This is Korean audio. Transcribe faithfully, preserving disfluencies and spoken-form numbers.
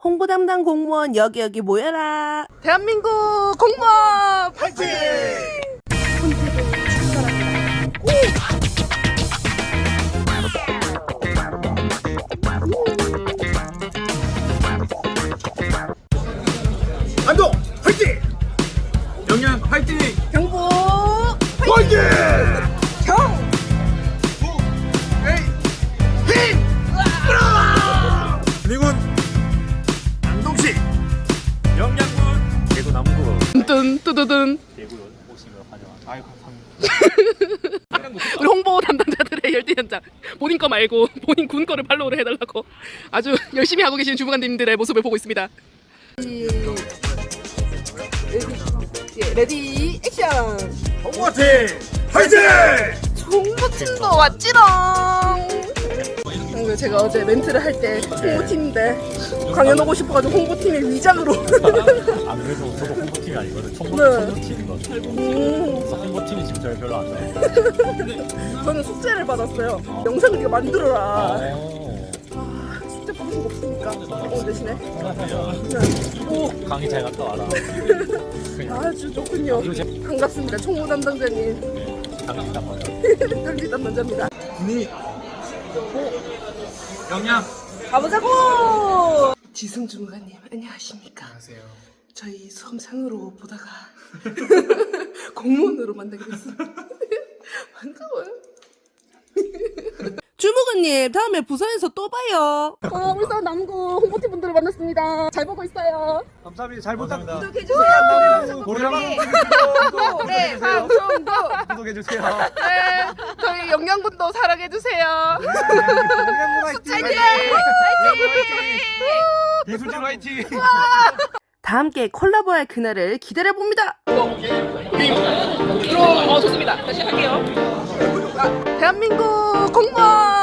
홍보 담당 공무원 여기 여기 모여라. 대한민국 공무원 파이팅! 안동 파이팅! 영양 파이팅! 경보 파이팅! 경! 미군 안동시 영양군 대구 남구 뚠 뚜두둔. 대구 오시면 환영합니다. 아유 감사합니다. 우리 홍보 담당자들의 열띤 현장. 본인 거 말고 본인 군 거를 팔로우를 해달라고 아주 열심히 하고 계신 주무관님들의 모습을 보고 있습니다. 예, 레디 액션. 홍보팀 파이팅! 홍보팀도 왔지롱. 제가 어제 멘트를 할 때 홍보팀인데 강연 오고 싶어가지고 홍보팀의 위장으로. 안 그래도 저도 홍보팀이 아니거든. 총무, 네. 총무팀이거든. 음, 그래서 홍보팀이 지금 저를 별로 안 좋아해요. 저는 숙제를 받았어요. 영상을 네가 만들어라. 오. 아, 숙제 받은 거 없으니까 오늘 대신에. 오. 오, 강의 잘 갔다 와라. 아주 좋군요. 반갑습니다. 총무 담당자님. 강의 딱 맞아. 열리 담당자입니다. 군이 영양 가보자고! 지승 주무관님 안녕하십니까? 안녕하세요. 저희 수험생으로 보다가 공무원으로 만나게 됐습니다. 반가워요. 주무관님 다음에 부산에서 또 봐요. 아, 울산 남구 홍보팀 분들을 만났습니다. 잘 보고 있어요. 감사합니다. 잘 부탁드립니다. 구독해주세요. 고려방 네, 방송도. 구독해주세요. 네, 저희 영양분도 사랑해주세요. 영양군 화이팅! 화이팅! 예술진 화이팅! 다 함께 콜라보할 그날을 기다려봅니다. 어, 좋습니다. 다시 할게요. 아, 대한민국 공무원